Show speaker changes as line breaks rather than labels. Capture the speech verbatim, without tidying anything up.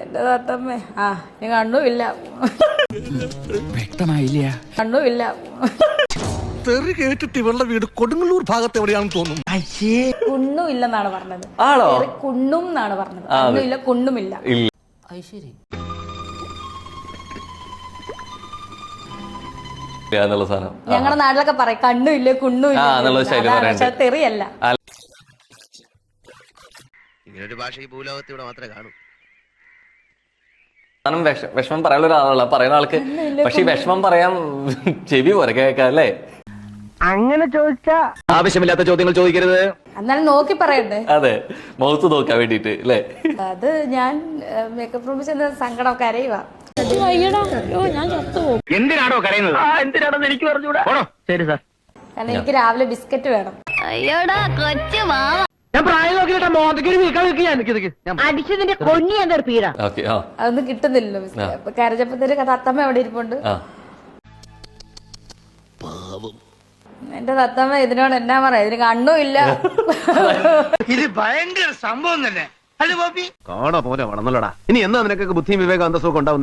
എന്റെ തത്തമ്മേ ആ നീ കണ്ണുമില്ല
വ്യക്തമായില്ല
കണ്ണുമില്ല
തെറി കേട്ടിട്ട് ഇവളുടെ വീട് കൊടുങ്ങല്ലൂർ ഭാഗത്ത് എവിടെയാണെന്ന് തോന്നുന്നു.
കുണ്ണും ഇല്ലെന്നാണ് പറഞ്ഞത്.
ആണോ?
കുണ്ണും എന്നാണ് പറഞ്ഞത്. കണ്ണുമില്ല കുണ്ണുമില്ല. ഞങ്ങളുടെ നാട്ടിലൊക്കെ പറയും കണ്ണുമില്ല കുണ്ണുമില്ല. പക്ഷെ തെറിയല്ല.
ഇങ്ങനൊരു ഭാഷ ഈ ഭൂലോകത്ത് ഇവിടെ മാത്രമേ കാണൂ.
വിഷമം പറയാനുള്ള ഒരാളല്ല പറയുന്ന ആൾക്ക്. പക്ഷെ ഈ വിഷമം പറയാൻ ചെവി പോരെ കേൾക്കാം അല്ലേ?
അങ്ങനെ ചോദിച്ചാ
ആവശ്യമില്ലാത്ത ചോദ്യങ്ങൾ ചോദിക്കരുത്.
എന്നാലും നോക്കി പറയണ്ടേ?
അതെ, മുഖത്ത് നോക്കാൻ വേണ്ടിട്ട് അല്ലേ?
അത് ഞാൻ മേക്കപ്പ് റൂമിൽ ചെന്ന് സങ്കടം കരയുവാ.
എന്തിനാണോ കരയുന്നത്? എന്തിനാണെന്ന് എനിക്ക് പറഞ്ഞുകൂടാ. ശരി സാർ.
കാരണം എനിക്ക് രാവിലെ ബിസ്ക്കറ്റ് വേണം.
ഞാൻ പ്രായം നോക്കിയിട്ടാ മോന്തയ്ക്ക് വീക്കാൻ അടിച്ചതിന്റെ കൊഞ്ഞി ഞാൻ തീർപ്പീടാ.
അതൊന്നും കിട്ടുന്നില്ലല്ലോ ബിസ്ക്കറ്റ്. അപ്പൊ കരച്ചപ്പത്തേര് തത്തമ്മ എവിടെ ഇരിപ്പുണ്ട്. എന്റെ തത്തമ്മ ഇതിനോട് എന്നാ പറയാ, ഇതിന് കണ്ണും ഇല്ല.
ഇത് ഭയങ്കര സംഭവം തന്നെ.
കാണോ പോലെ വളർന്നല്ലോടാ. ഇനി എന്നാ നിനക്കൊക്കെ ബുദ്ധിയും വിവേകം അന്തസ്സൊക്കെ ഉണ്ടാവും?